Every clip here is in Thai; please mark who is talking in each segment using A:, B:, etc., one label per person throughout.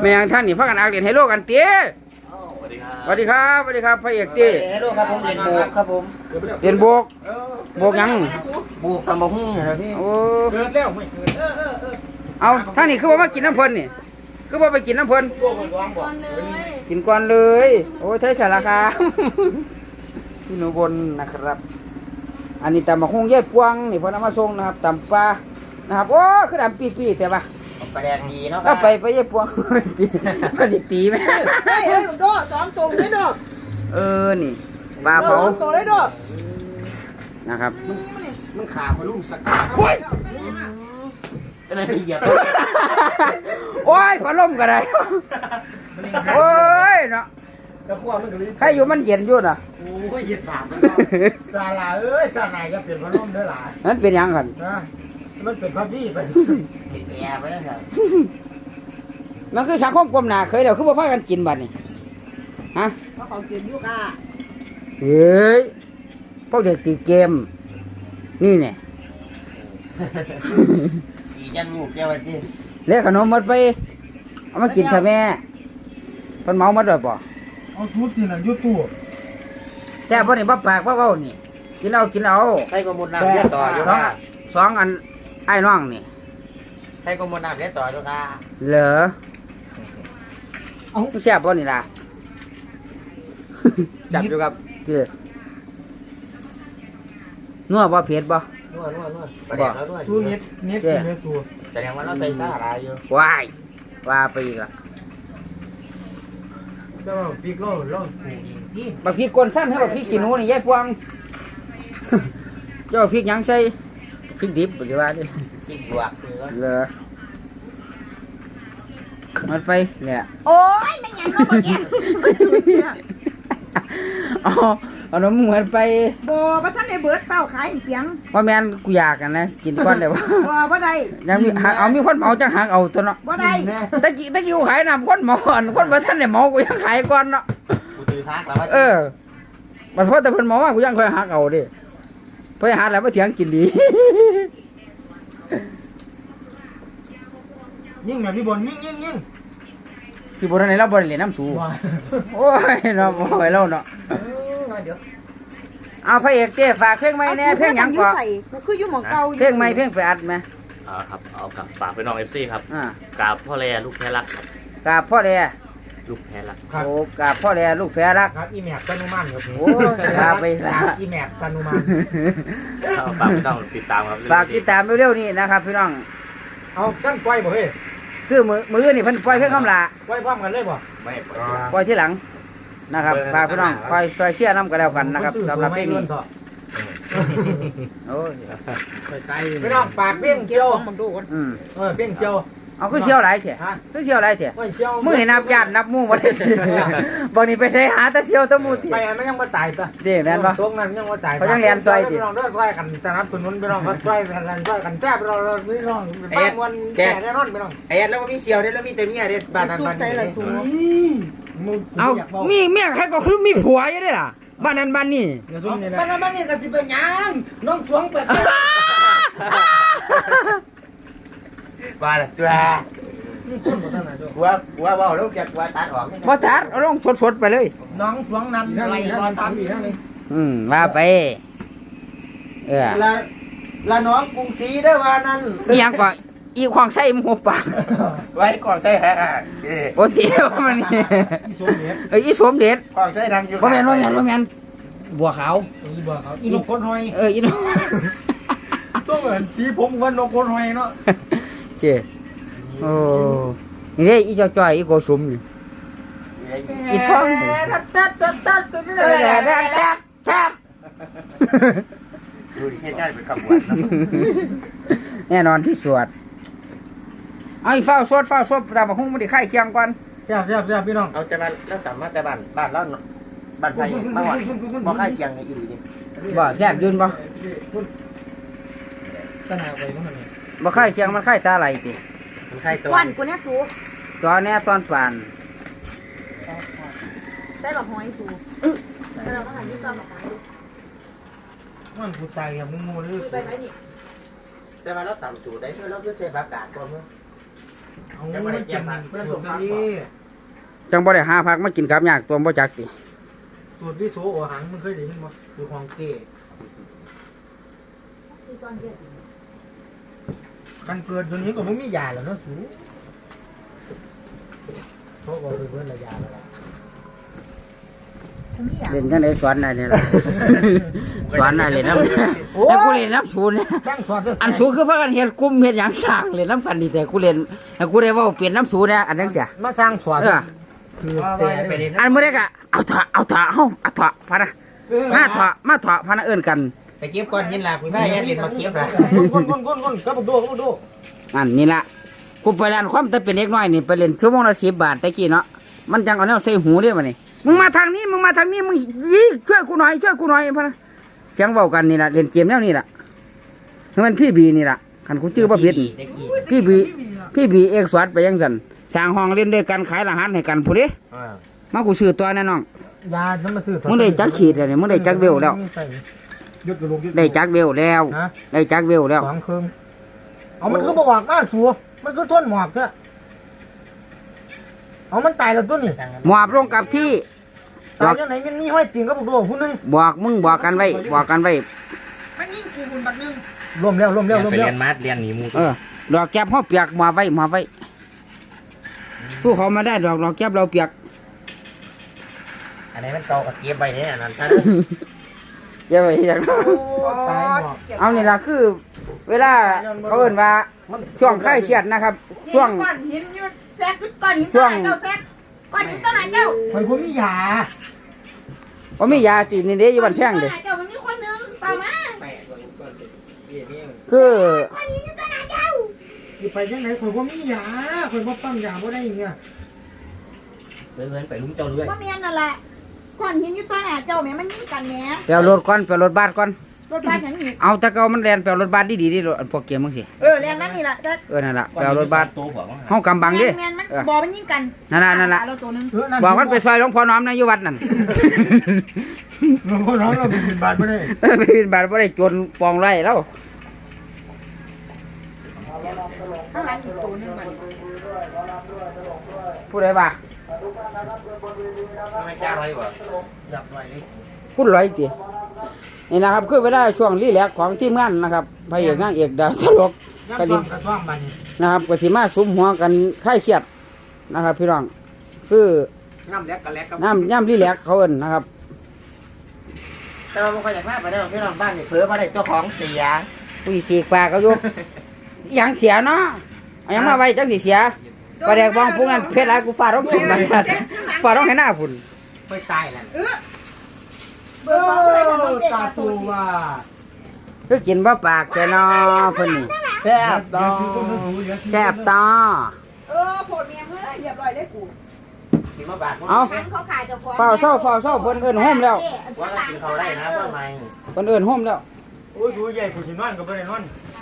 A: ม่ยังท่านนี่พักกันอักเรียนให้โลกกันเตี้ยสวัสดีครับสวัสดีครับพระเอกเตี้ย
B: ให้โลกครับผมเรียนโบกครับผม
A: เรียนโบกยัง
B: โบกตำบักหุ่งครับพี่
A: โอ้
C: เกิดแล้วไม่เกิด
A: เอาท่านนี่คือว่ามากินน้ำเพลินนี่คือว่าไปกินน้ำเพลินกินก่อนเลยโอ้ยไทยสารคามพี่หนูบนนะครับอันนี้ตำบักหุ่งแย่ปวงนี่พอน้ำมาส่งนะครับตำปลานะครับโอ้คือดำปีแต่ว่า
B: ปลาแดงดีเนาะ
A: ไปแย่ปวงมันตีไหม
C: เฮ้ยโดสองตัวเลยโด
A: นี่ปลาเผา
C: ตัวเลยโด
A: นะครับ
C: มันขาพลุ่มสัก
A: โอ้ย
B: อะไรเหยียบ
A: โอ้ยพัดลมก็ได้โอ้ยเนาะใครอยู่มันเย็นอยู่น่ะ
C: โอ้ยเย็นปากมันซาลาซาลาจะเปลี่ยนพัดลมได้หลาย
A: นั่นเป็นยังกัน
C: นะมันเป็นพัดวี่ไป
B: แย่ไปแล้วครับ
A: มันคือสังคมกลมหนาเคยเดี๋ยวคือว่าพากันกินบัดนี่ฮะ
C: เพราะเขากินยุก้า
A: เฮ้ยพวกเด็กตีเกมนี่เนี่ย
B: อีจันลูกแกวันที่
A: เลี้ยขนมหมดไปเอามากินใช่ไหมคนเมาหมดเลยป่ะ
C: เอาชุดที่นั่นยุตู้
A: แซ่บพวกนี้บ้าปากบ้าเบ้านี่กินเอา
B: ใครก็มุดน้ำเลี้ยต่ออยู่ค่ะ
A: สองอันไอ้น้องนี่
B: ใครก็มุดน้ำเลี้ยต่ออยู่ค่ะ
A: เหรอเอาแซ่บพวกนี้ล่ะจับอยู่กับคือนัวบ่เผ็ดบ่
B: นัวประเดี๋ยวแล้วนัว
C: สู้เน็ตกินไม่สู้
B: แต่ยังว่าเราใส่ซ่าอะไรอยู่
A: ว้ายว่าไปอีกละ
C: เจ้าพริกโล่ปลูก
A: อีกบักพริกกวนสั้นให้บักพริกขี้หนูนี่ยายพวงเจ้าพริกยังใส่พริกดิบหรือว่าดิ
B: พริกบวก
A: เหรอมันไปเนี่ย
C: โอ้ยไม่ยังก็บอกแก
A: เอาน้ำเหมือนไป
C: บ่ว่าท่านได้เบิดเฝ้าขายเปียง
A: ว่าแม่นกูอยากกันนะกินก้อนได้บ่
C: บ่ได้
A: ยังมีเอามีคนเมาจังหักเอาตัวเนาะ
C: บ่ได้
A: ตะกี้กูขายน้ำคนเมาก่อนคนบ่ทันได้เมากูยังขายก่อนเนาะ
B: กูถือฮักแล้ว
A: มันเพราะแต่เพิ่นเมาว่ากูยังค่อยหักเอาดิเพิ่นหาแล้วบ่เถียงกินดี
C: ยิ่งแบบนี้บนยิ่ง
A: ที่บ่ทันได้เราบ่ได้เล่นน้ำสูโอ้ยเนาะบ่ให้เราเนาะเอาพระเอกเต้ฝากเพลงใหม่แน่เพลงหยังก่อน
C: คืออยู่หม่องเก่า
A: เพลงใหม่เพลงไปอัดมั้ย
D: ครับเอากับฝากไปน้อง FC ครับกราบพ่อแลลูกแพ้รักครับ
A: กราบพ่อแล
D: ลูกแพ้รัก
A: โอ้กราบพ่อแลลูกแพ้รัก
C: ครับอีแมปซานุมันครับ
A: โอ้กราบไป
C: อีแมปซานุมัน
D: ฝากพี่น้องติดตามครับ
A: ฝากติดตามเร็วๆนี้นะครับพี่น้อง
C: เอากั้นปล่อยบ่เฮ้ย
A: คือมือนี่เพิ่นปล่อยเพลงคำลา
C: ปล่อยพร้อมกันเลยบ่
B: ไม่
A: ปล่อยที่หลังนะครับฝากพี่น้องคอยเชียร์น้ำกันแล้วกันนะครับสำหรับเพลงนี้โอ้ย
C: พี่น้องฝากเพียงเชียวเพียงเชียว
A: เอาคือเชียวหลายเถอะคือเชียวหลายเถอะมือนับญาตินับมู่บ่ได้บางนี่ไปใช้หาแต่เชียวตะมู่
C: ไปมันยังบ่ตายตะ
A: เด้แม่นบ่
C: ตรงนั้นยังบ่ตาย
A: เขายังเรียนซอย
C: พี่น้องเด้อซอยกันสนับสนุนพี่น้องซอยกันแซ่บเราพี่น้องบ้านวันแก่แน่นอนพี่น้อง
B: ไอ้แล้วก็มีเสียวเด้แล้วมีแต่เมียเด้บ้านนั้นบ้าน
A: นี้เอามีเมียใครก็คือมีผัวอยู่เด้ล่ะบ้านนั้นบ้านนี้
C: บ้านนั้นบ้านนี้ก็สิเป็นหยังน้องสวงเปิด
B: บ้านตัวว่าลูกจะว่าตัดออก
A: บ่ตัดเอาลงสดๆไปเลย
C: น้องสวงนั้นอะไรบ่ตัด
A: ว่าไป
C: ละน้องกรุงศรีได้ว่านั้น
A: อีหยังก็อีของใส่หมูปาก
B: ไว้ก่อนใส่ฮะ
A: โอ้เตี๋ยวมันนี่อีสมเด็จ
B: ก่อนใส่ดังอยู่
A: บ่แม่นบัวขาว
C: อีนกคนหอย
A: อีนก
C: ต้องเหมือนสีผมว่านกคนหอยเนาะ
A: โอเคโอ้นี่เด้อีจ่อยอีโกสุมนี่อีท้อง
B: ดูดิเหตุการณ์เป็นคำหวาน
A: แน่นอนที่สวดเอาอีเฝ้าสวดตามมาหุ้งมันได้ไข่เคียงก่อน
C: แซ่บพี่น้อง
B: เอาแต่บ้านแล้วต่ำมาแต่บ้านแล้วบ้านไทยมาหวานบ่ไข่เคียงในอีหลีนี่
A: บ่แซ่บยืนบ่
C: ตาหนาไปมันนี่
A: บ่ไข่เคียงมันไข่ตาไหลติ
B: มันไข่ตัว
C: วันกูเนี่ยสู
A: ตอนนี้ตอนป่าน
C: ใส่หลอกหอยสูเราก็หันที่ตอนหลอกหอยมันกูตายกับมึงงูเลย
B: ไปไหนนี่แต่ว่าเราต่ำสูได้เพื่อเราเพื่อใช้อากาศก่อนมั้ง
C: เอาไม่ได้เกี่ยมเพื่อนสูตรนี้
A: จังบ่ได้หาพักมากินกับยากตัวบ่จักติ
C: สูตรวิโสโอหังมันเคยได้ยินมั้ยคือของเก๋กันเกิดตัวนี้ก็ไม่มียาแล้วเนาะสูเขาบอกเพื่อนละยาแล้ว
A: เล่นจังได๋สอนได้นี่ล่ะ สอนได้เล่นนำแต่กูเล่นนำศูนย์เนี่ย
C: ตั้งสอน
A: อันสูงคือพากันเฮ็ดกลุ่มเฮ็ดหยังสร้างเล่นนำกันนี่แต่กูเล่นแต่กูได้เว้าเปลี่ยนนำศูนย์เนี่ยอันจังเสีย
C: มาสร้างสอน
A: เออ
C: คือเสียไปเลย
A: อันมื้อใดก็เอาเถอะเฮาเอาเถอะพะนะมาเถอะพะนะเอิ้นกัน
B: แต่เก็บก่อนยินล่ะคุณแม่ยันเรียนมาเก็บนะ
C: ก้นก็มาดู
A: อันนี่ล่ะกูไปร้านความแต่เป็นเด็กน้อยนี่ไปเล่นชั่วโมงละ10 บาทแต่กี้เนาะมันจังเอาแนวใส่หูเด้บัดนี้มึงมาทางนี้มึงยี่ช่วยกูหน่อยพะนะเสียงเว้ากันนี่ล่ะเล่นเกมแนวนี้ล่ะมันพี่บีนี่ล่ะคันกูชื่อบ่ผิดพี่บีเอกสวัสดิ์ไปยังซั่นสร้างห้องเล่นด้วยกันขายอาหารให้กันผู้เด้มากูซื้อตัวแน่น้อง
C: ยาน้ำมาซื้อ
A: มึงได้จักขีดแล้วนี่มึงได้จักเวลแล้วได้จักเวลแล้วได้จักเวลแล้ว
C: 2 เครื่องเอามันก็บ่หวักมาสัวมันก็ทนหมอกเถอะเอามันตายแล้วตัวนี้
A: หมอบลงกับที่
C: ตายจังไหนมันมีห้อยติ่งก็บอกผู้นึง
A: บอกกันไว้
C: มันยิงกูบุญบัดนึงรวมแล้ว
D: ไปเรียนมาดเรียนหนีมู
A: ดอกแก้บเฮาเปียกหมอบไว้สู้เขามาได้ดอกแก้บเราเปียก
B: อันนี้มันเก่ากับเก็บไปเนี่ยนั่นท่าน
A: อย่าไปอย่าง
C: ตายหมอก
A: เอานี่ล่ะคือ เวลาเขาเอิ้นว่าช่วงคลายเครียดนะครับช่วง
E: ก้อนหินอยู่แซกก้อนหินตัวไหนเจ้าแซกก้อนหินตัวไหนเจ้า
C: ข่อยบ่มียา
A: บ่มียาตินี่เด้อยู่บ้านแพงเด้
E: เจ้ามันมีคนนึงเปล่ามา
A: คือ
E: ก้อนหินอยู่ตัวไหนเจ้า
C: สิไปจังไหนข่อยบ่มียาข่อยบ่ปั๊มยาบ่ได้อย่างเงี้ย
D: เพื่อนไปลุงเจ้าด้วย
E: ว่าเมียนั่นแหละก้อนหินอยู่ตัวไหนเจ้าแม่มันยิงกันแม่
A: ไปเอารถก่อนไปเอารถบัสก่อน
E: รถบ้านอย่างนี้
A: เอาแต่เก่ามันแล่นไปเอารถบัสดีๆรถอันพวกเกมมึงสิ
E: แรงนั่นนี่แหละ
A: นั่นล่ะไปเอารถบัส
D: โตหัวมั้ง
A: เฮากำบังดิ
E: แม่มันบอมันยิงกัน
A: นั่นล่ะ
E: เราตัวนึง
A: บอกมันไปซอยหลวงพ่อน้อมนะอยู่วัดนั่น
C: หลวงพ่อน้องเราเป็นบาทบ่ได้
A: ไปบินบาทบ่ได้จนปองไรแล้ว
E: ข้างหลังอีกตัวนึงมัน
A: ผู้ใดบ่า
B: ไม่จ้าไว้บ่
C: อยากไว้เลย
A: พูดร้อยตินี่นะครับคือเวลาช่วงรีแลกซ์ของทีมงานนะครับพระเอกนางเอกดาวตลก
C: กระดิ่งกระท่อมบัดนี้
A: นะครับก็สิมาสุมหัวกันคลายเครียดนะครับพี่น้องคือ
B: น้ำเล็กกับเล็กกับ
A: ย่ำรีแลกซ์เขาเอิ้นนะครับ
B: แต่ว่าบ่ค่อยอยากมาไปได้หรอกพี่น้องบ้านนี่เผลอมาได้เจ้าของเสีย
A: ผู้สีกปากเขาอยู่ หยังเสียเนาะเอาหยังมาไว้จังสิเสียปลาแดกบองพวกนั้นเพชรหลายกูฟาดร้องกินมันฟาดร้องให้หน้าพุ่น
C: ไปตายแล้ว
E: เบอร์ของอะไรกัน
C: ตาตูว่า
A: คือกินบ่ปากแกเนาะเพิ่นนี่แซ่บตอแซ่บตอ
E: โผล่เมียเพื่อเรียบร้อยเลยกู
B: กินมาบาท
A: เอา
E: ทั้งเขาขายเจ้าของ
A: เฝ้าเศร้าเพิ่นเอิ้นโฮมแล้ว
B: ว่าก็กินเขาได้นะเพื่อไม่
A: เพิ่นเอิ้นโฮมแล้ว
C: โอ้ยดูใหญ่กูสินอนก็บ่ได้นอน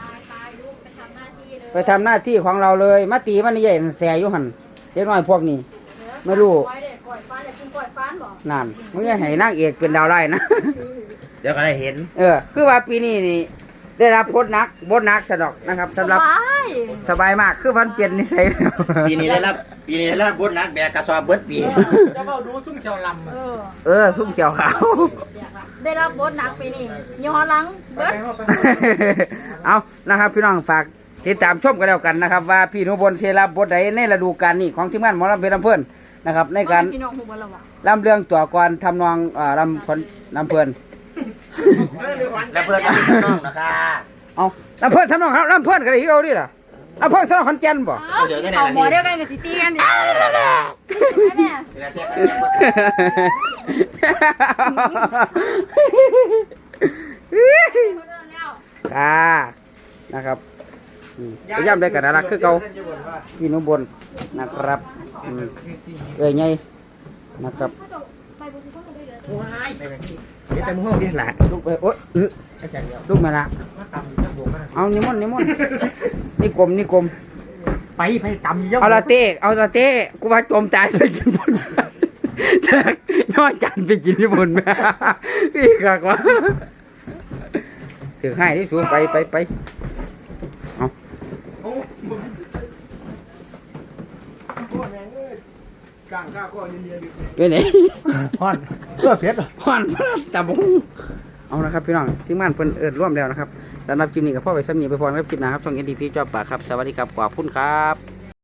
A: ไปทำหน้าที่ของเราเลยมาตีมันนี่ใหญ่แสอยู่หั่นเด็กน้อยพวกนี้ไม่รู้
E: ก่อยฟ้านอยากกินก่อยฟ้านบ่
A: นั่นมึงอย่าให้นางเอกเป็นดาวไล่นะ
B: เดี๋ยวก็ได้เห็น
A: คือว่าปีนี้นี่ได้รับบทหนักสะดอกนะครับสำหรับสบายมากคือมันเปลี่ยนนิสัยแล้ว
B: ปีนี้ได้รับบุญนักแบกกระสอบเบิดปี
C: จะเว้าดูซุ่มเขียวลำ
A: ซุ่มเกี่ยวขาว
E: ได้รับบทหนักปีนี้ย้อนหลังเบิด
A: เอานะครับพี่น้องฝากติดตามชมกันแล้วกันนะครับว่าพี่หนุบลเชรับบทใดในฤดูกาลนี้ของทีมงานหมอลำเพลินลำเพลินนะครับในการ
E: พี่น้องหูบ่ละวะ
A: ลำเรื่องตัวก่อนทำนองลำเพลิน
B: และเพื่อนก็มีน้องนะคะ
A: เอาลำเพลินทำนองครับลำเพลินกันอีกเอาดิล่ะลำเพลินทำนองขอนแก่นบ่
E: เอาหมอเดียวกันกับสิตีกันดิเนี่ย
B: เวลาเช็คกันยังบ่
A: ค่ะนะครับพยายามได้กันนะคือเก่าพี่หนุบลนะครับไงนะครับ
B: โอ้ยไปแบบนี้เดี๋ยวแต่มึงห้องที่หลัง
A: ลูกไปโอ๊ยลูกมาละ
C: มาตำจังบ่มา
A: เอานิมนต์นี่กลม
C: ไปตำเยอะ
A: เอาละเต้กูว่าจมตายไปกินบนแจกย้อนจันไปกินที่บนแม่พี่กากว่าถือให้ที่สูงไปเอา
C: กลางข้าข้อเย็น
A: เป็นไง
C: ๆฮ้อนเพื่อเพชร
A: ฮอนตาบุ้งเอานะครับพี่น้องที่ม่านเพิ่นร่วมแล้วนะครับสำหรับคลิปนี้กับพ่อไปซ้ำนี้ไปพรครับคลิปหนะครับช่อง NDP จอบปากครับสวัสดีครับขอบคุณครับ